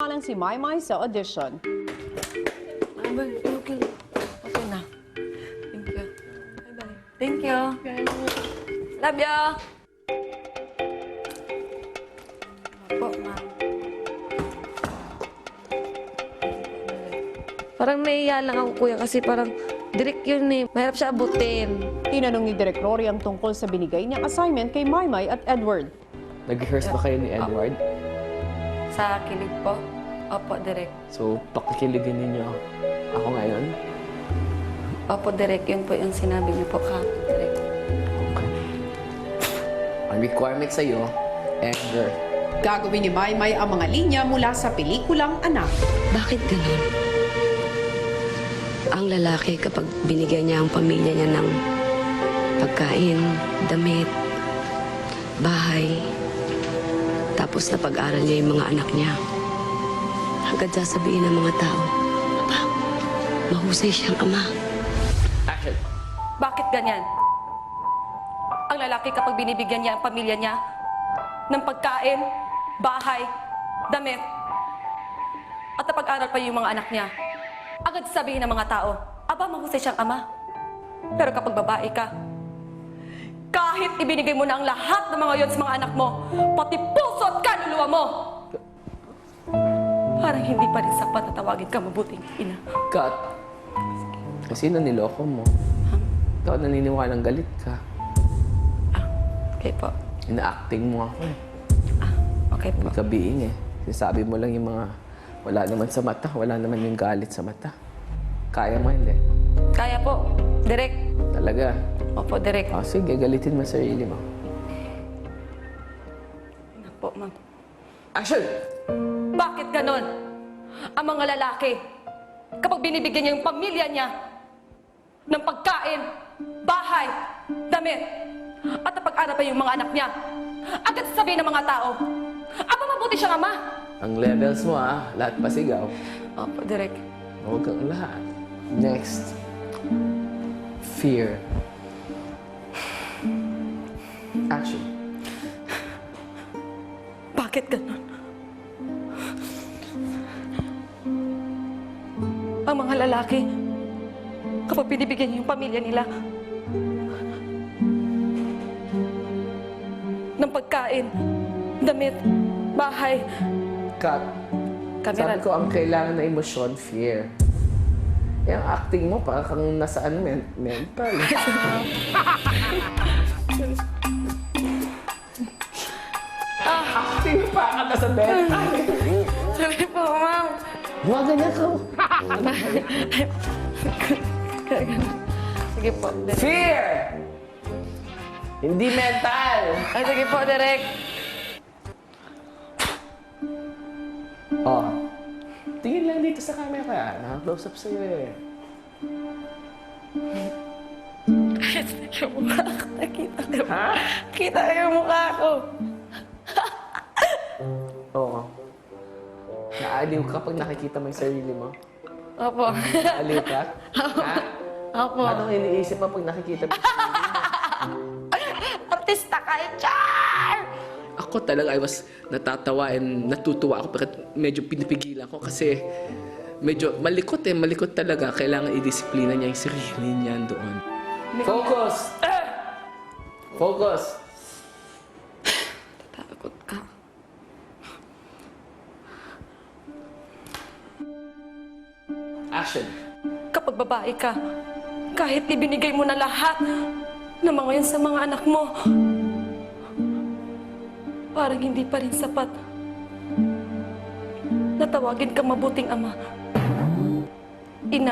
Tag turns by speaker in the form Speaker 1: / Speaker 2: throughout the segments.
Speaker 1: samantalang si Maymay sa audition.
Speaker 2: Okay. Okay na. Thank you. Bye-bye. Thank you. Love you. Po, ma'am. Parang naiya lang ako, kuya, kasi parang direct yun eh. Mahirap siya abutin.
Speaker 1: Tinanong ni Direk Rory ang tungkol sa binigay niyang assignment kay Maymay at Edward.
Speaker 3: Nag-rehearse ba kayo ni Edward?
Speaker 2: Sa kilig po. Opo, direct.
Speaker 3: So, pakikiligin ninyo ako ngayon?
Speaker 2: Opo, direct. Yun po yung sinabi niyo po ka, direct.
Speaker 3: Okay. Ang requirement sa'yo, anger.
Speaker 1: Gagawin ni Maymay ang mga linya mula sa pelikulang Anak.
Speaker 4: Bakit ganun? Ang lalaki kapag binigyan niya ang pamilya niya ng pagkain, damit, bahay, tapos na pag-aral niya yung mga anak niya, agad sasabihin ng mga tao, "Aba, mahusay siyang ama."
Speaker 3: Action!
Speaker 2: Bakit ganyan? Ang lalaki kapag binibigyan niya ang pamilya niya ng pagkain, bahay, damit, at napag-aral pa yung mga anak niya, agad sabihin ng mga tao, aba, mahusay siyang ama. Pero kapag babae ka, kahit ibinigay mo na ang lahat ng mga yon sa mga anak mo, pati puso at kaluluwa mo, parang hindi pa rin sapat na tawagin ka mabuting ina.
Speaker 3: Cut! Kasi niloko mo. Ikaw naniniwalang galit ka.
Speaker 2: Okay po.
Speaker 3: Ina-acting mo ako eh.
Speaker 2: Okay po.
Speaker 3: Hindi ka being eh. Sinasabi mo lang yung mga wala naman sa mata, wala naman yung galit sa mata. Kaya mo hindi?
Speaker 2: Kaya po. Direk.
Speaker 3: Talaga?
Speaker 2: Opo, direk.
Speaker 3: O sige, galitin mo sarili mo.
Speaker 2: Ano po, ma'am.
Speaker 3: Action!
Speaker 2: Bakit ganon? Ang mga lalaki, kapag binibigyan niya yung pamilya niya ng pagkain, bahay, damit, at napag-aral pa yung mga anak niya, agad sasabihin ng mga tao, aba, mabuti siyang ama.
Speaker 3: Ang levels mo lahat pasigaw.
Speaker 2: Opo, direk.
Speaker 3: Huwag kang lahat. Next. Fear. Action.
Speaker 2: Bakit ganon? Ang mga lalaki, kapag binibigyan niya yung pamilya nila ng pagkain, damit, bahay,
Speaker 3: Cut.
Speaker 2: kamera.
Speaker 3: Sabi ko, ang kailangan na emosyon, fear. Eh, ang acting mo, parang kang nasaan mental. Acting pa ka nasa mental.
Speaker 2: Sorry po, ma'am.
Speaker 3: Huwag ganyan ka.
Speaker 2: Sige po, direk.
Speaker 3: Fear! Hindi mental.
Speaker 2: Ay, sige po, direk.
Speaker 3: Oh. Tingin lang dito sa camera. Naka-close up sa'yo eh.
Speaker 2: Yung mukha ko, nakita ko.
Speaker 3: Ha?
Speaker 2: Kita ko yung mukha ko.
Speaker 3: Oo. Naaliw ka pag nakikita mo yung sarili mo?
Speaker 2: Opo.
Speaker 3: Naaliw ka? Ha?
Speaker 2: Opo.
Speaker 3: Anong iniisip mo pag nakikita mo yung sarili mo?
Speaker 2: Artista kayo, Char!
Speaker 3: Ako talaga, I was natatawa and natutuwa ako pero medyo pinipigilan ko kasi medyo malikot eh, malikot talaga. Kailangan i-disiplina niya yung sarili niya doon. Focus! Focus!
Speaker 2: Takot ka.
Speaker 3: Action!
Speaker 2: Kapag babae ka, kahit ibinigay mo na lahat ng mga yun sa mga anak mo, parang hindi pa rin sapat na tawagin ka mabuting ama. Ina.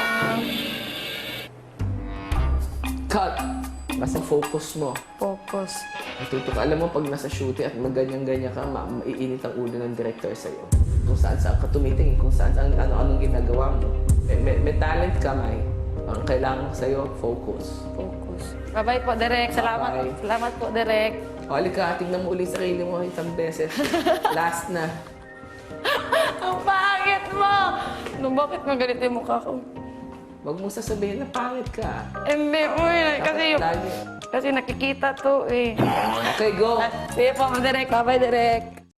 Speaker 3: Cut! Basta focus mo.
Speaker 2: Focus.
Speaker 3: Natuto ka. Alam mo, pag nasa shooting at maganyan-ganyan ka, maiinit ang ulo ng director sa'yo. Kung saan-saan ka tumitingin, kung saan-saan ano-anong ginagawa mo. May talent ka, May. Ang kailangan sa'yo, focus.
Speaker 2: Focus. Bye-bye po, Direk. Salamat.
Speaker 3: Bye.
Speaker 2: Salamat po, Direk.
Speaker 3: O, halika, tingnan mo ulit sarili mo isang beses. Last na.
Speaker 2: Ang pangit mo! No, bakit nga ganito yung mukha ko?
Speaker 3: Huwag mo sasabihin na pangit ka.
Speaker 2: Hindi po eh.
Speaker 3: Lagi.
Speaker 2: Kasi nakikita to eh.
Speaker 3: Okay, go!
Speaker 2: Sige po, Direk. Bye-bye, Direk.